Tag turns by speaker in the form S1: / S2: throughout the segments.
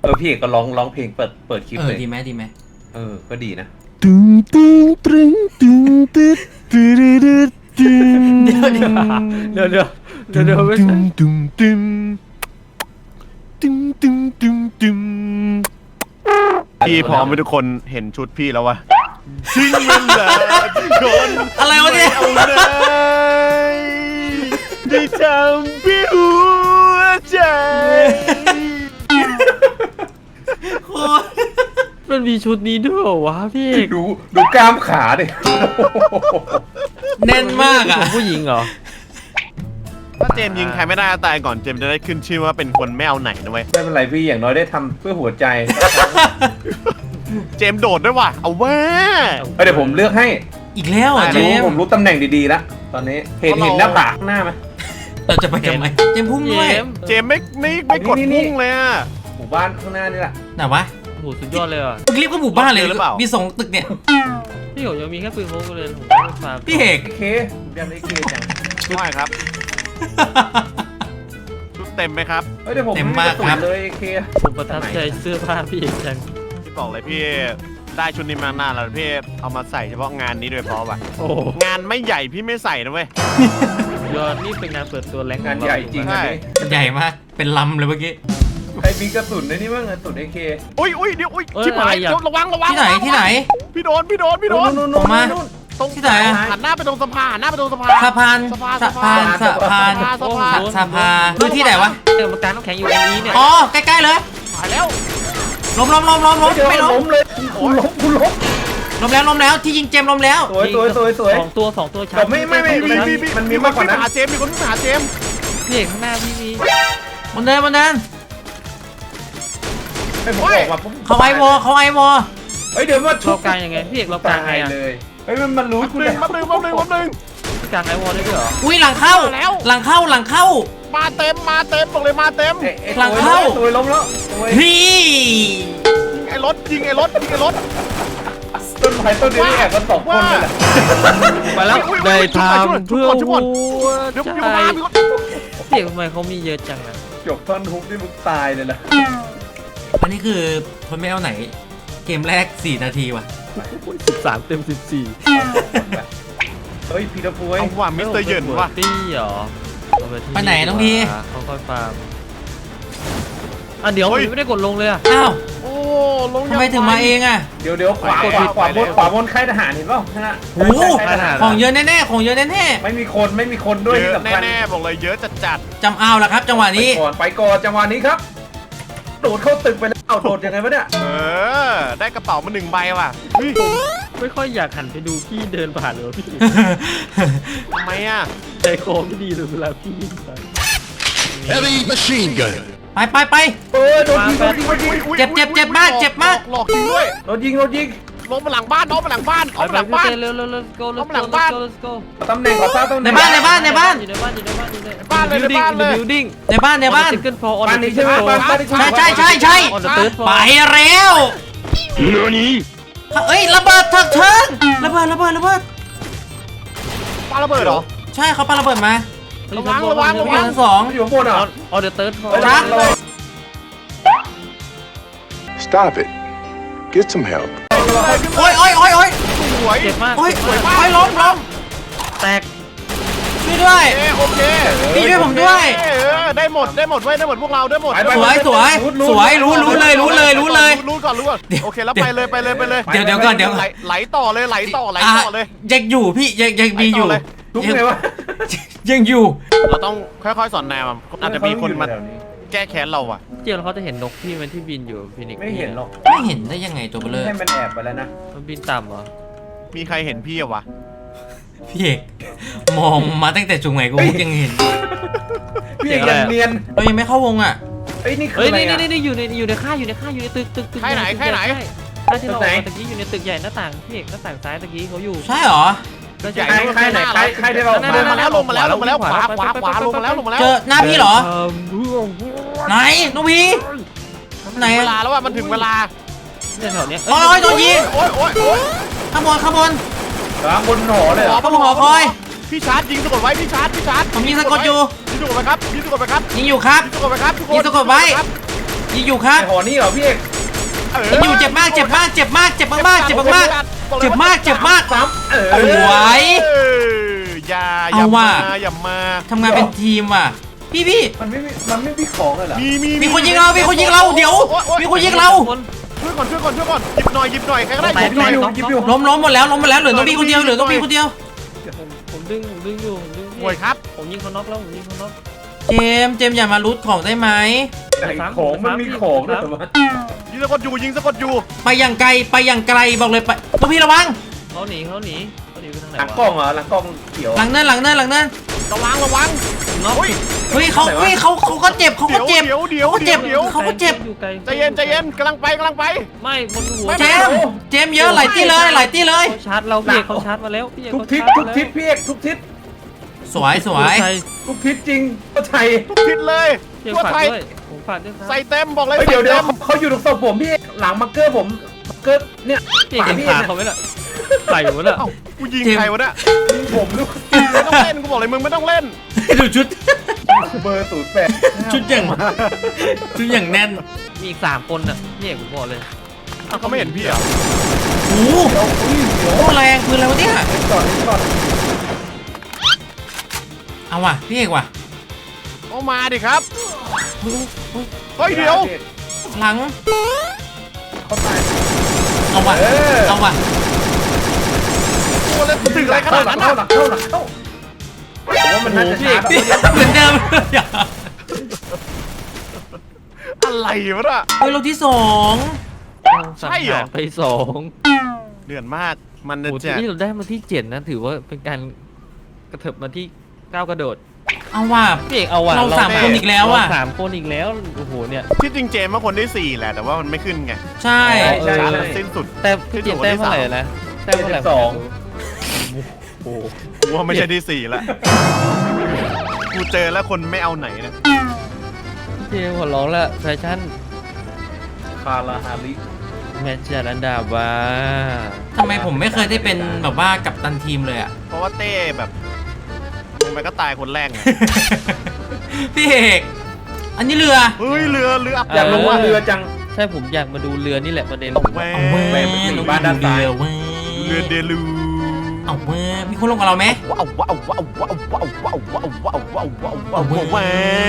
S1: พี่เอกก็ร้องเพลงเปิดคลิปเลย
S2: ดีไหม
S1: ก็ดีนะ
S3: ตึงตึงตึงตึงตึงตึงตึงตึง
S2: เดี๋ยวไม่ใช่
S3: ตึงตึงตึงตึงตึงตึงพี่พร้อมให้ทุกคนเห็นชุดพี่แล้ววะทิ้งมันเลยทุกคน
S2: อะไรวะเนี่ย
S3: เอาเลยได้ทำพี่หัวใจ
S2: โคตร
S4: มันมีชุดนี้ด้วยเหรอวะพี่เอก
S1: ดูกล้ามขาดิ
S2: แน่นมากอ่ะ
S4: ผู้หญิงเหรอ
S3: ถ้าเจมส์ยิงใครไม่ได้ตายก่อนเจมส์จะได้ขึ้นชื่อว่าเป็นคนไม่เอาไหนนะเว้ย
S1: ไม่เป็นไรพี่อย่างน้อยได้ทำเพื่อหัวใจ
S3: เจมส์โดดด้วยว่ะเอาแว่
S1: เดี๋ยวผมเลือกให้
S2: อีกแล้วอ่ะเจม
S1: ผมรู้ตำแหน่งดีๆแล้วตอนนี้เห็นหน้าผากหน้าไหม
S2: เราจะไปทำไมเจมพุ่งด้วย
S3: เจมส์ไม่กด
S1: นี่
S3: พุ่งเลยอะ
S1: หมู่บ้านข้างหน้านี่แหละ
S2: ไหนวะ
S4: โหสุดยอดเลยอ่ะ
S2: เรียกว่าหมู่บ้านเลย
S3: หรือเปล่ามี
S2: มีสองตึกเนี่ย
S4: พี่ผมยังมีแค่ปืนพกเลยผมไม่ฟาร์ม
S2: พี่เอก
S1: ไอ้เคผมจำได้เคจัง
S3: ไม่ครับชุดเต็มไหมครับ
S1: เดี๋ยวผมไกระสุนเลยไอ้เค
S4: ผมประทับใจเสื้อผ้าพี่เอกจัง
S3: พี่บอกเลยพี่ได้ชุดนี้มานานแล้วพี่เอามาใส่เฉพาะงานนี้โดยเฉพาะว่ะ
S4: โอ้
S3: งานไม่ใหญ่พี่ไม่ใส่นะเว้ย
S4: ยอดนี่เป็นงานเปิดตัวแรง
S1: งานใหญ่จริง
S3: ใช่
S1: อันนี้
S2: ใหญ่มากเป็นลำเลยเมื่อกี้
S1: ใครมีกระสุนในนี่บ้างกระสุนไอ้เค
S3: อุ้ยเดี๋ยวชิบหายเดี๋ยวระวัง
S2: ที่ไหน
S3: พี่โดน
S2: ออกมา
S3: ตรง
S2: ที่ไหนอะ
S3: หันหน้าไปตรงสะพาน
S2: สะพานคือที่ไหนวะ
S4: เดี๋ยวมากางน้ำแข็งอยู่ตรงนี้เนี่ย
S2: อ๋อใกล้ๆเลย
S3: หายแล้ว
S2: ล้มไม่ล้ม
S1: เลยคุณล้ม
S2: ล้มแล้วที่ยิงเจมล้มแล้ว
S1: สวย
S4: สองตัวชา
S1: แต่ไม่มันมีมากกว่านั้น
S3: หาเจมส์มีคนวิ่งหาเจมส์
S4: พี่เอกข้างหน้าพี่มี
S2: มันเดิน
S1: ให้ผมออกมาปุ๊บ
S2: เขาไอวอ
S1: เดี๋ยวมาชุ
S4: เรา
S1: บ
S4: กางยังไงพี่เอกเรากางไงอ่ะ
S1: เลยมันรู้คุณ
S3: แป๊บนึง
S4: พี่กางไอวอลได้ด้วยเหรอ
S2: อุ้ยหลังเข้า
S3: มาเต็มบอกเลยมาเต็ม
S1: ตัวล้มแล้ว
S2: พี่
S3: ยิงไอ้รถ
S1: ต้นไม้ต้นนี้แอบกัน2 คนเลยแหละ
S4: ไปแล้วได้ทำเพื่อ
S3: ชุบ
S4: หั
S3: ก่อน
S4: ว
S3: เดี๋ยว
S4: ใจ
S3: มามีคน
S4: พี่เอกทำไมเขามีเยอะจังอ่ะ
S1: จบท่อนฮุกนี่มึงตายเลยล่ะ
S2: อันนี้คือคนไม่เอาไหน เกมแรก4 นาทีว่ะ
S4: 13 เต็ม 14
S1: เฮ้ยพีทฟู
S3: เอาว่ะมิสเตอร์เหยินว่ะ
S4: ตี้เหรอ
S2: ไปไหนน้องพี่
S4: เขาค่อยฟาร์มเดี๋ยวไม่ได้กดลงเลยอ่ะ
S2: อ้าว
S3: โอ้ลง
S2: ทำไมถึงมาเองอ่ะ
S1: เดี๋ยวขวาบนค่ายทหารเห็นป่ะฮะ
S2: โอ้ของเยอะแน่
S1: ไม่มีคนด้วยที่สำคัญ
S3: แน่บอกเลยเยอะจัด
S2: จำเอาละครับจังหวะนี้
S1: ไปก่อนจังหวะนี้ครับโดดเข้าตึกไปแล้วโดดยังไงวะเนี่ย
S3: ได้กระเป๋ามา1 ใบว่ะ
S4: ไม่ค่อยอยากหันไปดูพี่เดินผ่านเลยพี่
S3: ทำไมอ่ะ
S4: ใจคอไม่ดีเลยเวลาพี่วิ่งไป
S5: Heavy machine gun.
S2: ไป
S1: โดนยิง
S2: เจ็บมาก
S3: หลอกยิงด้วย
S1: โดนยิง
S3: ลงมาหลังบ้านเอามาหลังบ้าน
S4: ไปเร็ว let's go let's go
S1: ตำแหน่งขอทราบตำแหน่ง
S2: ในบ้าน
S4: อยู่ในบ้านอยู่ในบ้าน building
S2: ในบ้าน
S4: second floor on
S1: บ้าน
S4: the
S1: นี้ใช่
S4: second
S1: ไหม
S4: floor
S1: บ้านนี้ใช่ไหม
S2: ใช่
S4: on the third floor
S2: ไปแล้ว
S5: NANI?
S2: เอ้ยระเบิดเถิงระเบิด
S3: ปาระเบิดเหรอ
S2: ใช่เขาปาระเบิดมา
S3: ระวัง
S2: อยู่ชั้น2
S1: อยู่ข้างบนเหรอ
S4: on the third floor
S2: จ้า
S5: Stop it. Get some help.
S2: โอ้ย
S3: สวย
S4: เจ็บมาก
S2: โอ้ยล้ม
S4: แตก
S2: ช่วยด้วย
S3: โอเค
S2: พี่ช่วยผมด้วย
S3: ได้หมดเว้ยได้หมดพวกเราได้หมด
S2: สวยรู้เลย
S3: รู้ก่อนโอเคแล้วไปเลย
S2: เดี๋ยวก่อน
S3: ไหลต่อเลย
S2: ยังอยู่พี่ยังมีอยู่
S1: ทุกไงวะ
S2: ยังอยู่
S3: เราต้องค่อยๆสอนแนวอาจจะมีคนมาแก้แค้นเราอ่ะ
S4: เจียวเขาจะเห็นนกพี่มันที่บินอยู่ฟินิก
S1: ไม่เห็นหรอก
S2: ไม่เห็นได้ยังไงตัวเบลอ
S1: ให้มันแอบไปแล้วนะ
S4: มันบินต่ำเหรอ
S3: มีใครเห็นพี่อะวะ
S2: พี่เอกมองมาตั้งแต่จุงไหนกูยังเห็น
S1: พี่ยังเนียน
S2: เรายังไม่เข้าวงอ่ะ
S1: นี่คือ
S4: เฮ้ย
S1: อะไร
S4: นี่อยู่ในค่ายอยู่ในตึกค่ายที่เราตะกี้อยู่ในตึกใหญ่หน้าต่างพี่เอกหน้าต่างซ้ายตะกี้เขาอยู่
S2: ใช่เหรอ
S3: ใหญ่
S1: ใครได้เรา
S3: มาแล้วลงมาแล้วขวาลงมาแล้ว
S2: เจอหน้าพี่เหรอไหนน้องพี่ไหน
S3: เวลาแล้วว่ามันถึงเวลา
S4: เนี่ยแถวเนี้ย
S2: โอ้ยโดนยิง
S3: โอ้ย
S2: ข้างบน
S1: บนหอเลย
S2: ข้างบนหอคอย
S3: พี่ชาร์จยิงสะกดไว้พี่ชาร์จ
S2: ผมยิงสะกดอยู่
S3: ยิงสะกดไปครับ
S2: ยิงอยู่ครับ
S3: ยิงสะกดไปครับทุกคน
S2: ยิงสะกดไว้ยิงอยู่ครับ
S1: ไอหอนี่เหรอพี่เอก
S2: ยิงอยู่เจ็บมากเจ็บมากเจ็บมากเจ็บมากเจ็บมากเจ็บมากเจ็บมาก
S1: ซ้ำ
S2: สวย
S3: อย่า
S2: เอาว่ะ
S3: อย่ามา
S2: ทำงานเป็นทีมว่ะพี่
S1: มันไม่มีของเลยเหรอ
S2: มีคนยิงเรามีคนยิงเราเดี๋ยวมีคนยิงเรา
S3: ช่วยก่อนหยิบหน่อยใครก็ได้หยิบหน่อย
S1: ยิบอยู่
S2: ล้มหมดแล้วเหลือต้องพี่คนเดียวเหลือต้องพี่คนเดียว
S4: ผมดึงอยู่ผมดึง
S3: โวยครับ
S4: ผมยิงเขาน็อกแล้วผมยิงเขาน็อก
S2: เจมส์อย่ามารูทของได้ไหม
S1: ไอ้ของมันมีของด้วยเหรอวะ
S3: ยิงสะกดอยู่
S2: ไปอย่างไกลบอกเลยไปต้องพี่ระวัง
S4: เขาหนีไปทางไหน
S1: หลัง
S4: วะ
S1: กล้องเหรอหลังกล้องเขียว
S2: หลังเนิน
S3: ระวัง
S4: น็อก
S3: เฮ้ย
S2: เฮ้ยเขาก็เจ็บเขาก็เจ็บ
S3: เดี๋ยว
S2: เขาก็เจ็บ
S4: อยู่ไกล
S3: ใจเย็นกำลังไป
S4: ไม่บนหัว
S2: เจมส์เยอะหลายที่เลย
S4: เขาชาร์จเราพี่เอกเขาชาร์จมาแล้วพี่เอก
S1: ทุก
S4: เขา
S1: ทิศ
S4: ชาร์จ
S1: ทุกทิศพี่เอกทุกทิศ
S2: สวย
S1: ทุกทิศจริงก็ใช่
S3: ทุกทิศเลย
S4: พี่เอก
S3: ทั่ว
S4: ฝาก
S3: ไทย
S4: ด้วยผมฝากด้วยครับ
S3: ใส่เต็มบอกเลย
S1: เฮ้ย
S3: ใส่
S1: เดี๋ยว
S3: เต็ม
S1: เขาอยู่ตรงศพผมพี่เอกหลังมาร์เกอร์ผมมาร์เกอร์เนี่ย
S4: พี่เอกเห็นขาเขาไหมล่ะใส่หมดแล้ว
S3: เอ้ากูยิงใครวะเนี่ย
S1: ผมลูก
S3: ไม่ต้องเล่นกูบอกเลยมึงไม่ต้องเล่น
S2: ดูชุด
S1: เบอร์08
S2: ชุดอย่างแน่น
S4: มีอีก3 คนน่ะพี่เอกผมบอกเลย
S3: เขาไม่เห็นพี่เหรอ
S2: โอ้โหแรงปืนอะไรวะเนี่ย
S1: ก่อน
S2: เอาว่ะพี่เอกว่ะ
S3: เอามาดิครับเฮ้ยเดี๋ยว
S2: หลัง
S1: เขาตาย
S2: เอาว่ะ เอาว่ะ
S3: ตัวเลยตึกอะไรขนาดนั้น
S1: หลังเข้าผมว่ามันน่าจะช้า
S2: เหมือนเดิม
S3: อะไรวะน่ะ
S2: เฮ้ยเราที่สอง
S3: ใช่เหรอ
S4: ไป2
S3: เดือดมากมัน
S4: โอ้โห
S3: จะ
S4: ที่เราได้มาที่7นะถือว่าเป็นการกระเถิบมาที่9กระโดด
S2: เอาว่ะ
S4: พี่เอกเอาว่ะ
S2: เราสามคนอีกแล้วอะ
S4: เรา3 คนอีกแล้วโอ้โหเนี่ย
S3: ที่จริงเจมส์ว่าคนได้4แหละแต่ว่ามันไม่ขึ้นไง
S2: ใช่
S1: ใช่
S3: ช้า
S1: ใช่
S3: แล้วสิ้นสุด
S4: แต่พี่เจมส์แต้มเท่าไหร่นะแต้มเท่าไหร่
S1: 72
S4: โอ้โห
S3: กูว่าไม่ใช่ที่4แล้วกูเจอแล้วคนไม่เอาไหนนะ
S4: พี่เจมส์หัวร้องละแฟชั่น
S1: คาราฮาริ
S4: แมนจารันดาบ้า
S2: ทำไมผมไม่เคยได้เป็นแบบว่ากัปตันทีมเลยอ่ะ
S3: เพราะว่าเต้แบบลงไปก็ตายคนแรกไง
S2: พี่เอกอันนี้เรือ
S3: เฮ้ยเรืออับ
S1: อยากลงว่าเรือจัง
S4: ใช่ผมอยากมาดูเรือนี่แหละประเด็น
S3: แหว
S2: เอาเว้ย
S1: ลงบ้านด้านซ้าย
S2: เว้ย
S3: เรือเดลู
S2: เอาเว้ยมีคนลงกับเราไหม
S3: ว้าวว้า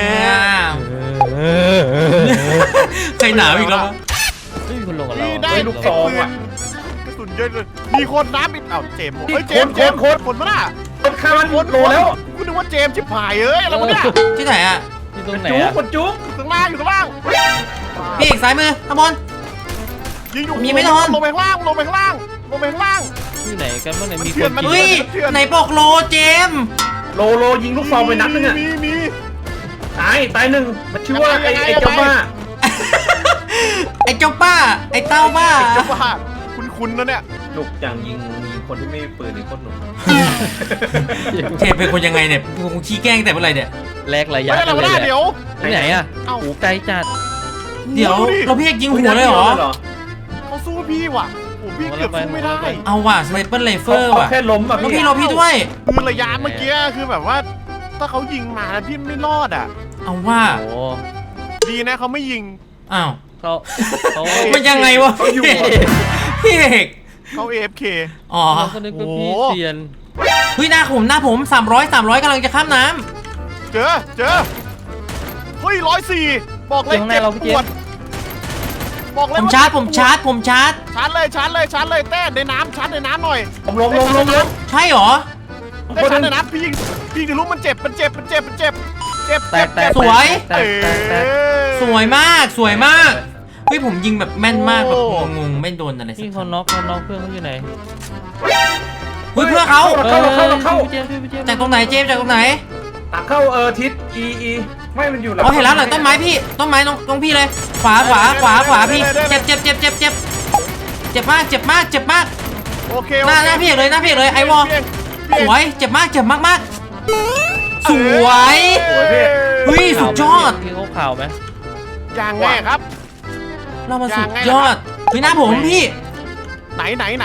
S2: ใครหนาวอีกแล้ววะ
S4: ไม่มีคนลงกับเรา
S3: นี่ได้
S1: ลูกซองว่ะ
S3: กระสุนเยอะเลยมีคนน้ำอีกอ้าวเจมส์เฮ้ยเจมส์คนมาน่ะ
S1: คนฆ่ามันโลแล้ว
S3: กูนึกว่าเจมส์ชิบหายเอ้ยอะไรวะเนี่ย
S2: ที่ไหนอ่ะ
S4: ที่ตรงไหน
S1: จุ๊ก
S4: อะ
S1: คนจุ๊ก
S3: อยู่ข้างล่างอยู่ข้างล่าง
S2: พี่เอกซ้ายมือข้างบน
S3: ยิงอยู่
S2: มีไม่โดน
S3: ลงไปข้างล่างลงไปข้างล่างลงไปข้างล่าง
S4: ที่ไหนกันบ้างเนี่ยมี
S3: เถื่
S4: ค
S3: อน
S4: น
S3: มัน
S4: กิน
S2: เฮ้ยไหนบอกโลเจมส์
S1: โลยิงลูกซองไปนัดนึงอ่ะ
S3: มี
S1: ตายหนึ่งมันชื่อว่าไอ้เจ้าบ้า
S2: ไอ้เจ้าป้าไอ้เต้าบ้า
S3: จะว่าคุณนะเนี่ย
S1: หนุกอย่างยิงคนที่ไม่มีปืนนี่โคตรหนุก
S2: เจมส์เป็นคนยังไงเนี่ยคงขี้แกล้งแต่เมื่อไหร่เนี่ย
S4: แลกระยะ
S3: ไม่ได้
S4: กัน
S3: ไม่
S4: เลย
S3: ได้
S4: แหละ
S3: เดี๋ยว
S4: ที่ไหนอะ
S3: เอ้า
S4: โอ้ไกลจัด
S2: เดี๋ยวเราพี่เอกยิงหัวเลยเหรอ
S3: เขาสู้พี่ว่ะโอ้พี่เกือบสู้ไม่ได้
S2: เอาว่ะสไนเปอร์ไรเฟอร์
S1: เขา
S2: ว่ะ
S1: แค่ล้มอ่ะ
S2: แล้ว
S1: พี่
S2: พี่รอพี่ด้วย
S3: คือระยะเมื่อกี้คือแบบว่า ถ้าเขายิงมาแล้วพี่ไม่รอดอ่ะ
S2: เอาว่า
S4: โอ้
S3: ดีนะเขาไม่ยิง
S2: อ้าว
S4: เขา
S2: มันยังไงวะพี่เอก
S3: เขา AFK
S2: อ๋อ
S4: เราก็นึกว่าพี่เซียน
S2: เฮ้ยหน้าผม300กำลังจะข้ามน้
S3: เจอเฮ้ย104บอกเลย
S4: ข้างหน้าเราพี่เจ
S3: ปว
S4: ม
S3: ด
S4: ส์
S3: บอก
S2: ำ
S3: เลย
S2: ผมชาร์จ
S3: ชาร์จเลยเต้ในน้ำชาร์จในน้ำหน่อย
S1: ผมลง
S2: ใช่เหรอ
S3: เต้ชาร์จในน้ำพี่ยิงจะรู้มันเจ็บ
S4: แตก
S2: สวย
S4: แตก
S2: สวยมากเฮ้ยผมยิงแบบแม่นมากแบบงงๆไม่โดนอะไรสัก
S4: พี่
S2: ค
S4: เขา
S2: รั้ง
S4: น็อกเพื่อนเขาอยู่ไหน
S2: เฮ้ยเพื่อเขา
S1: เข้า
S4: พี่เจมส์พี่เจมส์
S2: จากตรงไหนเจมส์จากตรงไหน
S1: ตักเข้าทิศ E ไม่มันอยู่หลัง
S2: อ๋อเห็นแล้วหลังต้นไม้พี่ต้นไม้ตรงพี่เลยขวาพี่เจ็บมาก
S3: โอเค
S2: หน้าพี่เอกเลยไอวอลสวยเจ็บมากสวยเฮ้ยสุดยอด
S4: พี่เขาข่าวไหม
S3: อย่างแน่ครับ
S2: เรามาสุดยอดเฮ้ยหน้าผมพี่
S3: ไหน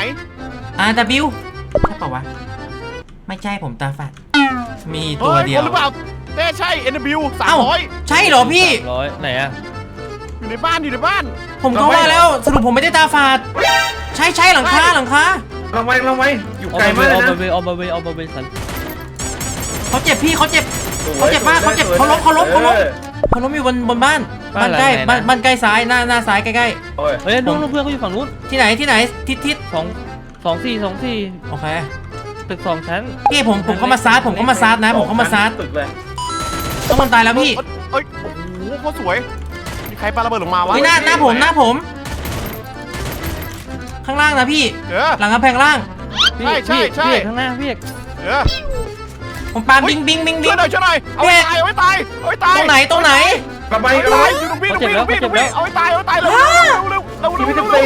S2: RW ใช่เปล่าวะไม่ใช่ผมตาฝาดมีตัวเดียว
S3: หรือเปล่าเต้ใช่ NW
S2: เอ้า
S3: 300
S2: ใช่เหรอพี่
S4: 300ไหนอะ
S3: อยู่ในบ้านอยู่ในบ้าน
S2: ผมก็ว่าแล้วสรุปผมไม่ได้ตาฝาดใช่หลังคา
S1: เราไว้อยู่
S4: เอา
S1: ไกล
S4: มา
S1: มากเลย
S4: เอา
S1: นะ
S4: มาเวเอามาเวเอามาเวสัน
S2: เขาเจ็บพี่เขาเจ็บมากเขาเจ็บเขาล้มอยู่บนบ้านใกล้บ้านใกล้ซ้ายหน้าซ้ายใกล้
S1: โอ้ย
S4: เฮ้ยน้องเพื่อนเขาอยู่ฝั่งนู้น
S2: ๆที่ไหนทิศ
S4: 2 4
S2: โอเค
S4: ตึก2 ชั้น
S2: พี่ผมเข้ามาซาร์ผมเข้ามาซาร์นะผมเข้ามาซาร์
S1: ตึกเลย
S2: ต้องมันตายแล้วพี่
S3: เอ้ยโอ้โหโคตรสวยมีใครปาระเบิดลงมาวะ
S2: เฮ้ยหน้าผม ข้างล่างนะพี่
S3: เออ
S2: หลังกำแพงล่าง
S4: พี่
S3: ใช่
S4: พี่เอกข้างหน้าพี่เอก
S3: เออ
S2: ผมปาบิง
S3: ช่วยหน่อยเอาไว้ตายเอาไว้ตายเอาไว้ตาย
S2: ตรงไหน
S1: ระบา
S3: เอา
S1: ย
S3: ไว้ตายอยู่ตรงพี่เอาไว้ตายเร็ว
S1: ชีวิต
S3: เร็ว
S1: ตี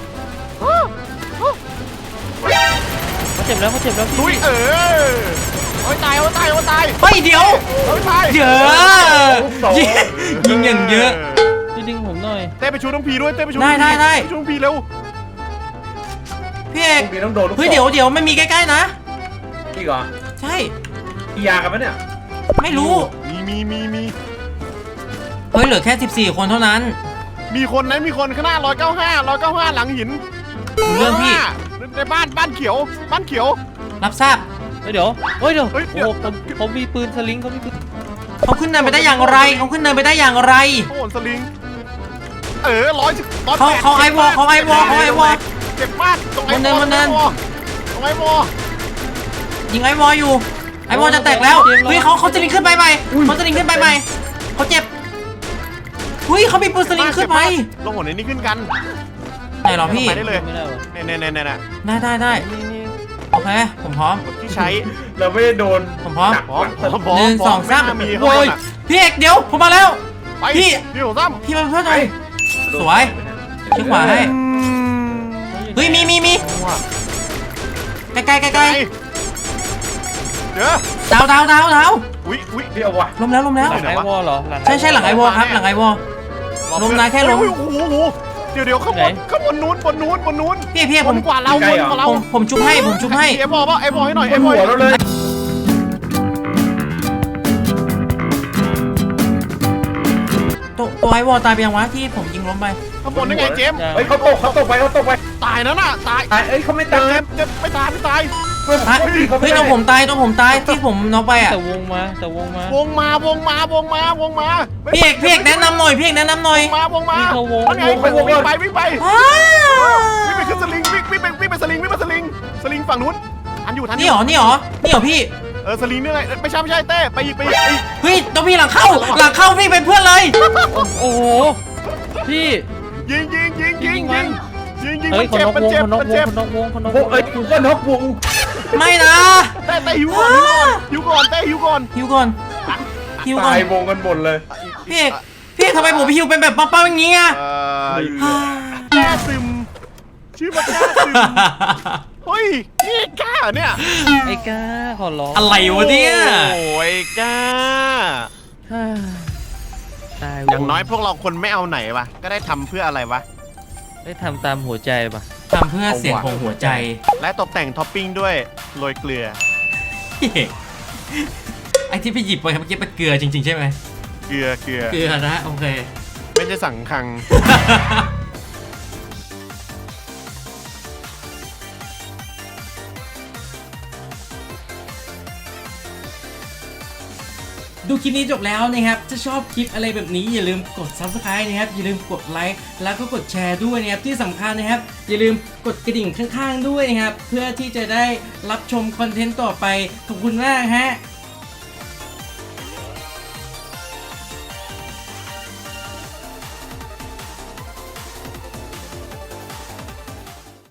S4: เขาเจ็บแล้ว
S3: ลุยเอาไว้ตาย
S2: เฮ้ยเดี๋ยว
S3: เอาไว้ตาย
S2: เยอะยิงอย่างเยอะ
S4: พี่ดึงผมหน่อย
S3: เต้ไปชูน้องพีด้วยเต้ไปชู
S2: ได้
S3: ไปชูน้องพีเร็ว
S2: พี่เอก
S1: มีต้องโดน
S2: เฮ้ยเดี๋ยวไม่มีใกล้ๆนะ
S1: พี่ก่อน
S2: ใช่
S1: มียากันปะเนี่ย
S2: ไม่รู้
S3: มี
S2: เฮ้ยเหลือแค่ 14 คนเท่านั้น
S3: มีคนข้างหน้า195หลังหิน
S2: รู้เรื่องพี่
S3: ในบ้านเขียว
S2: รับทราบ
S4: เดี๋ยวโอ้
S3: เดี๋ยว
S4: โหผมมีปืนสลิงเขามีปืน
S2: เขาขึ้นเนินไปได้อย่างไร
S3: โอ้โหสลิง100
S2: เขาไอวอล
S3: เจ็บมากตรงไอวอ
S2: บนเนิน
S3: ตรงไอวอ
S2: ยิงไอวอลอยู่ ไอวอลจะแตกแล้วเฮ้ยเขาจะลิงขึ้นไปใหม่เขาเจ็บเฮ้ยเขามีปืนสลิงขึ้นไป
S3: ลงหัวในนี้ขึ้นกัน
S2: ไหนหรอพี่
S3: ไปได้เลย
S4: ไม่ได้วะ
S3: เนี่ย
S2: ได้โอเคผมพร้อม
S3: ที่ใช้
S1: เราไม่ได้โดน
S2: ผมพร้อม
S1: หนัก
S3: พร้อม
S2: 1 2 3
S3: มี
S2: โอ้ยพี่เอกเดี๋ยวผมมาแล้ว
S3: ไป
S2: พี่
S3: พี่หัวซ้
S2: พี่มาเพื่อนหน่อยสวยชิดขวาให้เฮ้ยมีใกล้
S3: เดี๋ยว
S2: ดาว
S3: อุ้ย
S1: พี่เอาวะ
S2: ล้มแล้ว
S4: หลังไอวอลเหรอ
S2: ใช่หลังไอวอลครับหลังไอวอล ลงนะแค่ลง
S3: โอ้โหเดี๋ยวข้างบนนู้น
S2: พี่
S3: บนกว่าเราบนกว่าเรา
S2: ผมชุบให้
S3: ไอ้บอลให้หน่อย
S1: บนหัวเราเลย
S2: ตัวไอวอลตายไปยังวะที่ผมยิงล้มไป
S3: ข้างบนได้ไงเจมส์
S1: เฮ้ยเขาตกไป
S3: ตายแล้วน่ะตาย
S1: เอ้ยเขาไม่ตาย
S3: เจ็บไม่ตาย
S2: ฮะเฮ้ยตัวผมตายที่ผมน็อกไปอ่ะ
S4: แต่วงมา
S3: วงมา
S2: พี่เอกแนะนำหน่อย
S3: วงมาไงวิ่งไป
S2: ว้าว
S3: วิ่งไปขึ้นสลิงวิ่งไปสลิงฝั่งนู้นทันอยู่
S2: นี่หรอพี่
S3: สลิงนี่ไงไม่ใช่เต้ไปอีก
S2: เฮ้ยตัวพี่หลังเข้าพี่เป็นเพื่อนเลย
S4: โอ้โหพี่
S3: ยิง
S4: เฮ้ยคนนอกวง
S1: เอ้ยกูก็นกวง
S2: ไม่นะ
S3: เต้หิวก่อน
S2: ฮิวก่อน
S1: ตายวงกันหมดเลย
S2: พี่เอกทำไมผมฮิวเป็นแบบป้าอย่างเงี้ย
S3: แก้ซึมชื่อมันแก้ซึมเฮ้ยนี่กล้าเนี่ย
S4: ไอ้ก้าขอร้อง
S2: อะไรวะเนี่ย
S3: โอ้ยกล้า
S4: ตาย
S3: อย่างน้อยพวกเราคนไม่เอาไหนวะก็ได้ทำเพื่ออะไรวะ
S4: ได้ทำตามหัวใจป่ะ
S2: ทำเพื่อเสียงของหัวใจ
S3: และตกแต่งท็อปปิ้งด้วยโรยเกลือ
S2: พี่เอกไอที่พี่หยิบไปเมื่อกี้เป็นเกลือจริงๆใช่ไหม
S3: เกลือ
S2: เกลือนะโอเค
S3: ไม่ใช่สังคัง
S2: ดูคลิปนี้จบแล้วนะครับถ้าชอบคลิปอะไรแบบนี้อย่าลืมกด Subscribe นะครับอย่าลืมกดไลค์แล้วก็กดแชร์ด้วยนะครับที่สำคัญนะครับอย่าลืมกดกระดิ่งข้างๆด้วยนะครับเพื่อที่จะได้รับชมคอนเทนต์ต่อไปขอบคุณมากฮะ